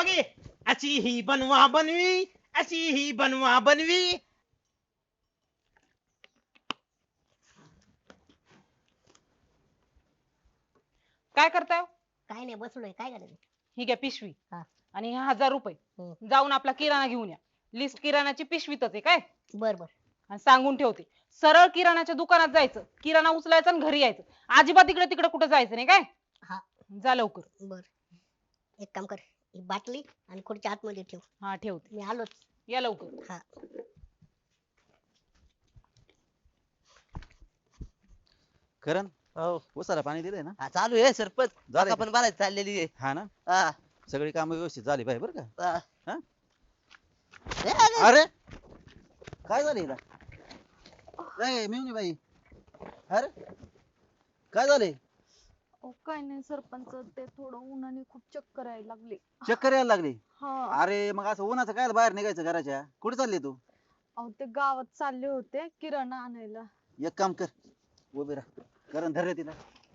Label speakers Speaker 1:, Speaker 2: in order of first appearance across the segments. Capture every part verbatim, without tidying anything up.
Speaker 1: Okay, अशी ही बनवा बनवी, अशी ही बनवा बनवी.
Speaker 2: काय करताय?
Speaker 3: काय नाही बसलोय. काय करायचं?
Speaker 2: ही घ्या पिशवी
Speaker 3: हा.
Speaker 2: आणि हे हजार रुपये
Speaker 3: हम्म.
Speaker 2: जाऊन आपला किराणा घेऊन या. लिस्ट किराणाची पिशवीतच आहे काय.
Speaker 3: बर बर.
Speaker 2: आणि सांगून ठेवते, सरळ किराणाच्या दुकानात जायचं, किराणा उचलायचा आणि घरी यायचं. अजिबात इकडे तिकडे कुठे जायचं नाही काय.
Speaker 3: हा.
Speaker 2: जा लवकर.
Speaker 3: बर. एक काम कर, ही बाटली आणि खुर्च्या आतमध्ये ठेव.
Speaker 2: हा ठेवते.
Speaker 3: मी आलोच.
Speaker 2: या लवकर.
Speaker 3: हा.
Speaker 4: करण
Speaker 5: हो
Speaker 4: उसाला पाणी दिलंय ना?
Speaker 5: हा, चालू आहे सरपंच.
Speaker 4: झालंय
Speaker 5: आता पण भरायची चाललेली आहे.
Speaker 4: हा ना,
Speaker 5: हा.
Speaker 4: सगळी कामं व्यवस्थित झाली पाहिजे बरं का.
Speaker 5: हा.
Speaker 4: हा?
Speaker 5: ए, अरे,
Speaker 4: अरे काय झालं हिला? नाही मिळून बाई. अरे काय झाले?
Speaker 6: अहो, काय नाही सरपंच, ते थोडं उन्हाने खूप चक्कर यायला लागली.
Speaker 4: चक्कर यायला लागली?
Speaker 6: हा.
Speaker 4: अरे मग असं उन्हाचं काय बाहेर निघायचं घराच्या? कुठे चालली तू?
Speaker 6: अहो ते गावात चालले होते किराणा आणायला.
Speaker 4: एक काम कर, उभी राहा. करण धर रे तिला.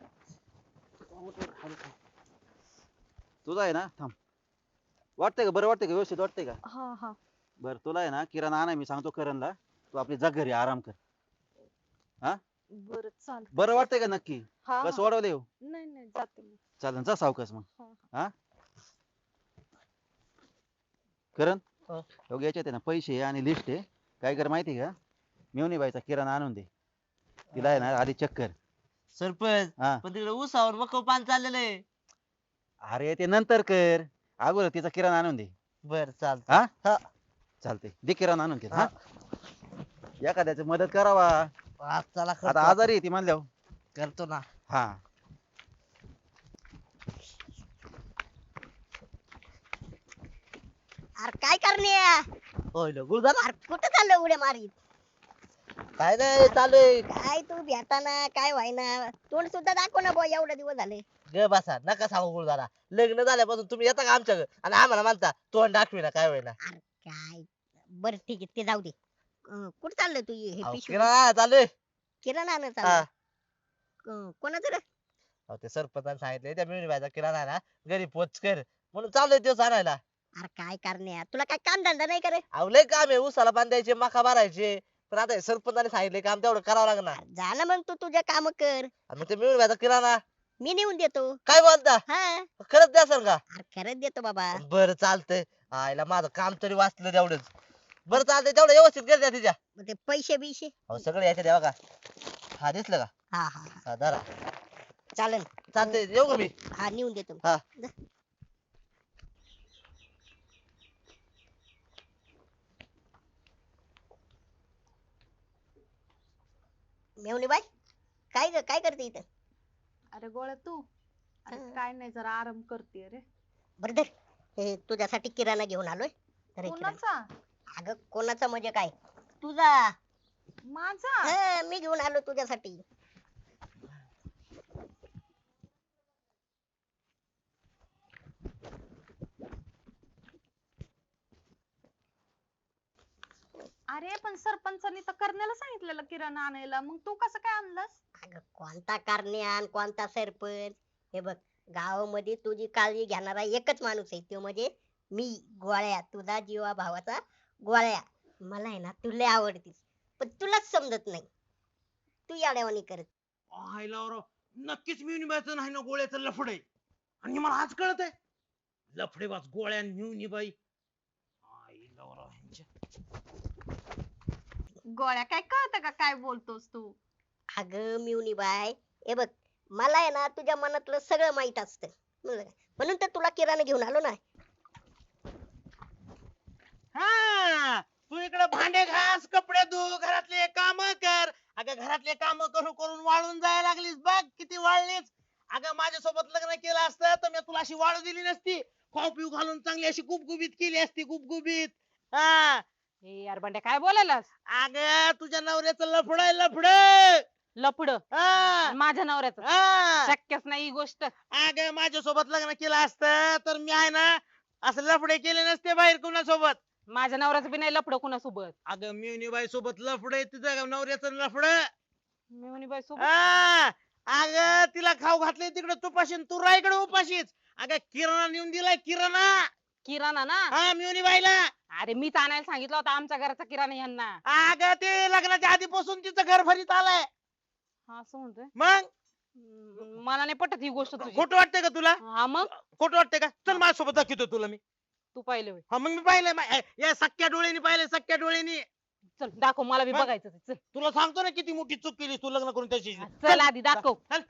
Speaker 4: तुला आहे ना, थांब. वाटतंय का बरं? वाटतंय का? व्यवस्थित वाटतंय का?
Speaker 6: हा हा.
Speaker 4: बरं तुला आहे ना किराणा आणा, मी सांगतो करणला. तू आपली जा घरी आराम कर. हा
Speaker 6: बरं चाल.
Speaker 4: बरं वाटतंय का नक्की?
Speaker 6: हा
Speaker 4: बस
Speaker 6: हा.
Speaker 4: वाढवले हो.
Speaker 6: नाही नाही जाते मी.
Speaker 4: चालेल, जा सावकाश मग.
Speaker 6: हा,
Speaker 4: हा करण
Speaker 5: हो.
Speaker 4: हो याच्यात आहे ना पैसे आणि लिस्ट आहे. काय कर माहिती का, मेवणी बाईचा किराणा आणून दे. तिला आहे ना आधी चक्कर.
Speaker 5: सरपंच
Speaker 4: हा
Speaker 5: पण तिकडे उसावर मग पान चाललेलं आहे.
Speaker 4: अरे ते नंतर कर, अगोदर तिचा किराणा आणून दे.
Speaker 5: बर चालत.
Speaker 4: हा
Speaker 5: हा.
Speaker 4: चालते, दे किराणा आणून दे.
Speaker 5: हा.
Speaker 4: हा एखाद्याची मदत करावा.
Speaker 5: आज चला करतो
Speaker 4: आता
Speaker 5: आपण.
Speaker 4: आजारी आहे ती म्हणल्यावर.
Speaker 5: करतो ना.
Speaker 4: हा
Speaker 3: अरे काय करणे?
Speaker 5: होय लो, गुरुदादा.
Speaker 3: अरे कुठं चाललं उड्या मारीत?
Speaker 5: काय नाही चालू आहे.
Speaker 3: काय तू भेटाना काय व्हायना, तोंड सुद्धा दाखव ना बुवा, एवढे दिवस झाले.
Speaker 5: ग बसा, नका सांगू गुरुदादा. लग्न झाल्यापासून तुम्ही येता का आमच्या घरी आणि आम्हाला म्हणता तोंड दाखवी ना काय होईना.
Speaker 3: अरे काय, बर ठीक आहे ते जाऊ दे. अं, कुठं चाललं तू हे
Speaker 5: अहो,
Speaker 3: पिशवी?
Speaker 5: किराणा चालू आहे.
Speaker 3: किराणा आणत
Speaker 5: हा.
Speaker 3: चाललं? अं, कोणाचं रे?
Speaker 5: अहो, ते सरपंचाने सांगितले त्या मिळून व्हायचा किराणा आहे ना घरी पोच कर म्हणून चालू आहे दिवस आणायला.
Speaker 3: अरे काय करणे, तुला काय काम धंदा नाही करे?
Speaker 5: अहो लय काम आहे, उसाला बांधायचे, मका भरायचे. पण आता हे सरपंचाने सांगितले काम तेवढं करावं लागणार.
Speaker 3: झालं मग तू तुझ्या काम कर,
Speaker 5: आणि मग ते मिळून व्हायचा किराणा
Speaker 3: मी नेऊन देतो.
Speaker 5: काय बोलता?
Speaker 3: हा.
Speaker 5: खरंच द्या सर का?
Speaker 3: अरे खरंच देतो बाबा.
Speaker 5: बरं चालतंय. आईला माझं काम तरी वाचलं तेवढंच. बरं चालतंय, तेवढं व्यवस्थित कर द्या तिच्या.
Speaker 3: मग ते पैसे बिशे?
Speaker 5: अहो सगळं याच्या द्या बघा. हा दिसलं का?
Speaker 3: हा हा हा.
Speaker 5: हा धरा.
Speaker 3: चालेल.
Speaker 5: चालतंय, येऊ का मी?
Speaker 3: हा नेऊन देतो.
Speaker 5: हा.
Speaker 3: मेवणी बाई, काय ग, काय करते इथं?
Speaker 6: अरे गोळ्या तू. अरे
Speaker 3: हा.
Speaker 6: काय नाही, जरा आराम करते रे.
Speaker 3: बरं धर, हे तुझ्यासाठी किराणा घेऊन आलोय. तर हे किराणा.
Speaker 6: कोणाचा?
Speaker 3: अगं कोणाचा म्हणजे काय, तुझा.
Speaker 6: माझा?
Speaker 3: हा, मी घेऊन आलो तुझ्यासाठी.
Speaker 6: अरे पण सरपंचानी तर करण्याला सांगितलेलं किराणा आणायला, मग तू कसं काय आणलंस?
Speaker 3: अगं कोणता कारण्यान, कोणता सरपंच? हे बघ, गावामध्ये तुझी काळजी घेणारा एकच माणूस आहे, तो म्हणजे मी, गोळ्या, तुझा जीवा भावाचा गोळ्या. मला आहे ना, तू लय आवडतीस, पण तुलाच समजत नाही. तू याड्यावानी करत.
Speaker 1: आयला राव, नक्कीच मिळून नाही ना गोळ्याचं लफड आहे. आणि मला आज कळत आहे, लफडेबाज गोळ्या आणि मिळून बाई. आईला राव ह्यांच्या.
Speaker 6: गोळ्या काय कळतं का काय बोलतोस तू?
Speaker 3: अगं मिवनी बाय, हे बघ, मला आहे ना तुझ्या मनातलं सगळं माहित असतं, म्हणलं का? म्हणून तर तुला किराणा घेऊन आलो ना.
Speaker 1: हा, तू इकडे भांडे घास, कपडे धु, घरातले काम कर. अगं घरातले काम करून करून वाळून जायला लागलीस बघ, किती वाळलीस. अगं माझ्यासोबत लग्न केलं असतं तर मी तुला अशी वाळू दिली नसती. खाऊ पिऊ घालून चांगली अशी गुबगुबीत केली असती, गुबगुबीत. हा,
Speaker 2: हे यार बंड्या काय बोलायलास?
Speaker 1: अगं तुझ्या नवऱ्याचं लफड आहे, लफड.
Speaker 2: लफड
Speaker 1: हा,
Speaker 2: माझ्या नवऱ्याचं?
Speaker 1: हा.
Speaker 2: शक्यच नाही ही गोष्ट.
Speaker 1: अगं माझ्यासोबत लग्न केलं असतं तर मी आहे ना असं लफडे केले नसते बाहेर कुणासोबत.
Speaker 2: माझ्या नवऱ्याचं बी नाही लफड कुणासोबत.
Speaker 1: अगं मिवनीबाई सोबत लफड आहे तिचं नवऱ्याचं लफड.
Speaker 2: मी म्हणे बाई सोबत.
Speaker 1: हा, अगं तिला खाऊ घातले तिकडे तुपाशी आणि तू राह इकडे उपाशीच. अगं किराणा नेऊन दिलाय किराणा.
Speaker 2: किराणा ना
Speaker 1: हा मिवनी बाईला.
Speaker 2: अरे मीच आणायला सांगितलं होता आमच्या घराचा किराणा यांना.
Speaker 1: अगं ते लग्नाच्या आधीपासून तिचं घर भरीत आलंय.
Speaker 2: हा असं म्हणतोय.
Speaker 1: मग
Speaker 2: हम्म, मला नाही पटत ही गोष्ट तुझी.
Speaker 1: खोटं वाटतंय का तुला?
Speaker 2: हा मग
Speaker 1: खोटं वाटतंय का? चल माझ्यासोबत दाखवतो तुला मी.
Speaker 2: तू पाहिलं होय.
Speaker 1: हा मग मी पाहिलंय मा- या सख्या डोळ्यांनी पाहिलंय, सख्या डोळ्यांनी.
Speaker 2: चल दाखव मला बी
Speaker 1: मग?
Speaker 2: बघायचं ते. चल
Speaker 1: तुला सांगतो ना किती मोठी चूक केली तू लग्न करून त्याची.
Speaker 2: चल आधी दाखव.
Speaker 1: चल.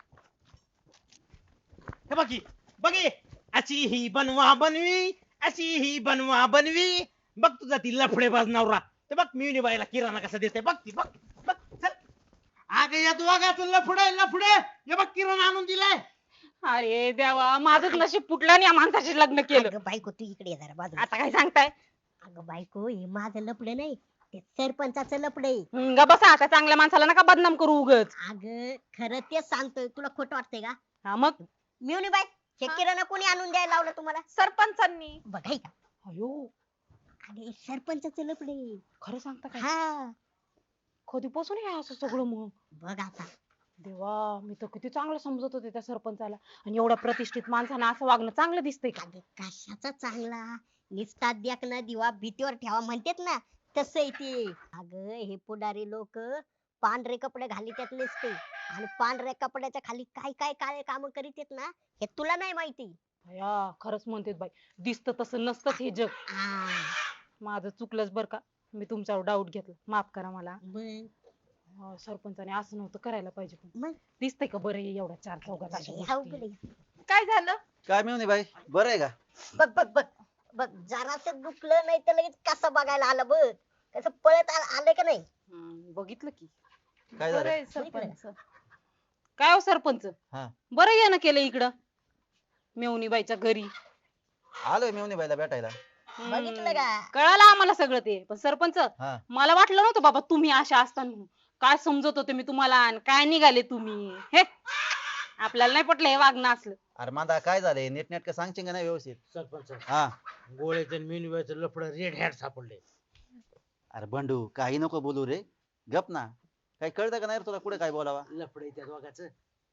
Speaker 1: हे बघी बघी अशी ही बनवा बनवी, अशी ही बनवा बनवी. बघ तुझा ती लफडेबाज नवरा. ते बघ मिवनी बाईला किराणा कसा देते बघ ती बघ बघ चल. अगं या दोघाचं लफडे लफडे. हे बघ किराणा आणून दिलाय.
Speaker 2: अरे देवा माझंच नशीब फुटलं आणि या माणसाशी लग्न केलं.
Speaker 3: अगं बायको तू इकडे ये जरा बाजूला.
Speaker 2: आता काय सांगताय?
Speaker 3: अगं बायको हे माझं लपडं नाही, ते सरपंचाचं लपड आहे.
Speaker 2: हम्म, ग बसा आता चांगल्या माणसाला नका बदनाम करू उगच.
Speaker 3: अगं खरं तेच सांगतोय, तुला खोटं वाटतंय का?
Speaker 2: हा मग
Speaker 3: मिवनी बाई हे
Speaker 6: हा?
Speaker 3: किराणा कोणी आणून द्यायला लावलं तुम्हाला?
Speaker 6: सरपंचांनी.
Speaker 3: बघाय का?
Speaker 2: अयो
Speaker 3: अगे सरपंचाचं लपड आहे.
Speaker 2: खरं सांगता काय?
Speaker 3: हा
Speaker 2: कधीपासून हे असं सगळं मग?
Speaker 3: बघ आता.
Speaker 2: देवा मी तर किती चांगलं समजत होते त्या सरपंचाला आणि एवढ्या प्रतिष्ठित माणसानं असं वागणं चांगलं दिसतंय का?
Speaker 3: अगं कशाचा चांगला, निस्ता द्याक ना दिवा भीतीवर ठेवा म्हणतात ना, तसं आहे ते. अगं हे पुढारी लोक पांढरे कपडे घालीत नसते आणि पांढऱ्या कपड्याच्या खाली काय काय काळे काम करीत आहेत ना, हे तुला नाही माहिती.
Speaker 2: या खरंच म्हणते बाई दिसतं तसं नसतंच हे जग.
Speaker 3: हा
Speaker 2: माझं चुकलंच बरं का, मी तुमच्यावर डाऊट घेतला, माफ करा मला.
Speaker 3: मग
Speaker 2: अं, सरपंचाने असं नव्हतं करायला पाहिजे. पण
Speaker 3: मग
Speaker 2: दिसतंय का बरं हे एवढ्या चार चौघात अशा
Speaker 3: हे अवघड
Speaker 2: गोष्टी?
Speaker 3: आहे.
Speaker 6: काय झालं?
Speaker 4: काय मिळून बाई बरं आहे का?
Speaker 3: बघ बघ बघ बघ जरास दुखलं नाही तर लगेच कसं बघायला आलं बघ, कसं पळत आ- आलं का नाही.
Speaker 2: हम्म, बघितलं की.
Speaker 4: काय
Speaker 6: बरं
Speaker 4: झालं?
Speaker 6: आहे सरपंच.
Speaker 2: काय हो सरपंच
Speaker 4: हा
Speaker 2: बरं येणं केलं इकडं मेवणीबाईच्या घरी.
Speaker 4: आलोय मिळून बाईला भेटायला.
Speaker 2: हम्म,
Speaker 3: बघितलं का?
Speaker 2: कळालं आम्हाला सगळं ते. पण सरपंच
Speaker 4: हा
Speaker 2: मला वाटलं नव्हतं बाबा तुम्ही अशा असता म्हणून. काय समजत होते मी तुम्हाला आणि काय निघाले तुम्ही. हे आपल्याला नाही पटलं हे वागणं असलं.
Speaker 4: अरे मांदा काय झालंय नीटनेटकं सांगशील का नाही व्यवस्थित?
Speaker 1: सरपंच
Speaker 4: हा
Speaker 1: गोळ्याचं आणि मिवनी बाईचं लफड रेड हॅट सापडले.
Speaker 4: अरे बंडू काही नको बोलू रे, गप ना. काही कळतं का नाही रे तुला कुठे काय बोलावा?
Speaker 1: लफड त्या दोघाचं.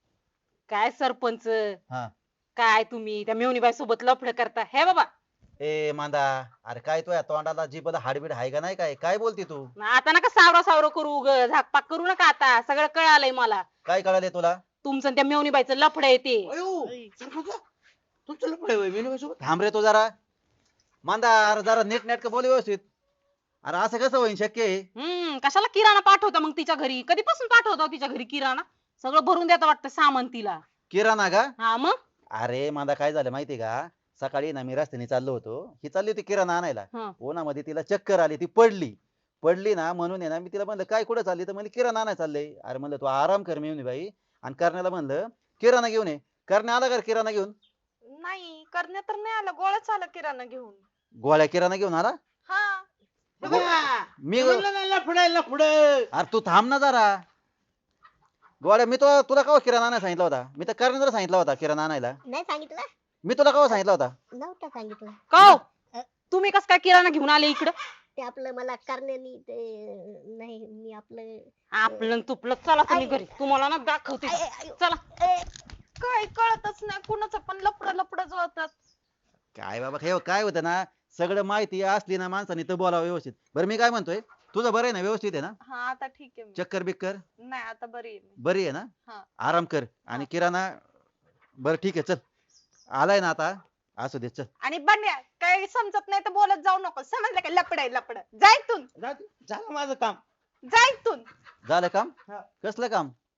Speaker 2: काय सरपंच
Speaker 4: हा
Speaker 2: काय तुम्ही त्या मेवणीबाई सोबत लफड करता हे बाबा.
Speaker 4: ए मांदा, अरे काय तो या तोंडाला जीभला हाडबीड आहे का नाही? काय काय बोलती तू?
Speaker 2: आता नका सावरा सावरा करू उग झाकपाक करू नका आता. सगळं कळालंय मला.
Speaker 4: काय कळाले तुला?
Speaker 2: तुमचं आणि त्या मेवणीबाईचं लफड आहे ते.
Speaker 1: अयो सरपंच तुमचं लफड आहे मिवनी बाई सोबत.
Speaker 4: थांब रे तू जरा. मांदा अरे जरा नीट नेटकं बोल व्यवस्थित. अरे असं कसं होईन शक्य आहे?
Speaker 2: हम्म कशाला किराणा पाठवता मग तिच्या घरी? कधीपासून पाठवता हो तिच्या घरी किराणा? सगळं भरून देता वाटतं सामान तिला.
Speaker 4: किराणा का?
Speaker 2: हा मग
Speaker 4: अरे मांदा काय झालं माहितीये का? सकाळी ना मी रस्त्याने चाललो होतो, ही चालली होती किराणा आणायला.
Speaker 2: हा.
Speaker 4: उन्हामध्ये तिला चक्कर आली, ती पडली. पडली ना म्हणून आहे ना मी तिला म्हणलं काय कुठं चालली? तर म्हणली किराणा आणायला चाललंय. अरे म्हणलं तू आराम कर मिळून बाई. आणि करण्याला म्हणलं किराणा घेऊन ये. करण्या आला का किराणा घेऊन?
Speaker 6: नाही करण्यात तर नाही आलं, गोळ्याच आला किराणा घेऊन.
Speaker 4: गोळ्या किराणा घेऊन आला?
Speaker 6: हा
Speaker 4: मी
Speaker 1: म्हणलं ना लफड आहे लफड.
Speaker 4: अरे तू थांब ना जरा. गोळ्या मी तो तुला कवा किराणा आणायला सांगितला होता? मी तर करण्याला सांगितला होता किराणा आणायला.
Speaker 3: नाही सांगितलं?
Speaker 4: मी तुला कवा सांगितला होता?
Speaker 3: नव्हतं सांगितलं.
Speaker 2: का हो? तुम्ही कस काय किराणा घेऊन आले इकडं?
Speaker 3: ते आपलं मला करण्यानी ते नाही मी आपलं
Speaker 2: आपलं न तुपलं चला तुम्ही घरी. तुम्हाला ना दाखवते.
Speaker 3: आय, आय, आय,
Speaker 2: चला.
Speaker 3: ए,
Speaker 6: काय कळतच नाही, कुणाचं पण लपड लपड जुळतात.
Speaker 4: काय बाबा हे काय होतं ना, सगळं माहिती असली ना माणसाने तर बोलावं व्यवस्थित. बरं मी काय म्हणतोय, तुझं बरं आहे ना? व्यवस्थित आहे ना?
Speaker 6: हा आता ठीक आहे मी.
Speaker 4: चक्कर बिक्कर
Speaker 6: नाही आता बरी आहे मी.
Speaker 4: बरी आहे ना?
Speaker 6: हा.
Speaker 4: आराम कर. आणि किराणा बरं ठीक आहे चल. आलाय ना आता? असू दे चल.
Speaker 6: आणि बंड्या काही समजत नाही तर बोलत जाऊ नको, समजलं का? लपड आहे लपड. जा इथून,
Speaker 1: जाऊ दे. झालं माझं काम.
Speaker 6: जा इथून.
Speaker 4: झालं काम?
Speaker 1: हा.
Speaker 4: कसलं काम?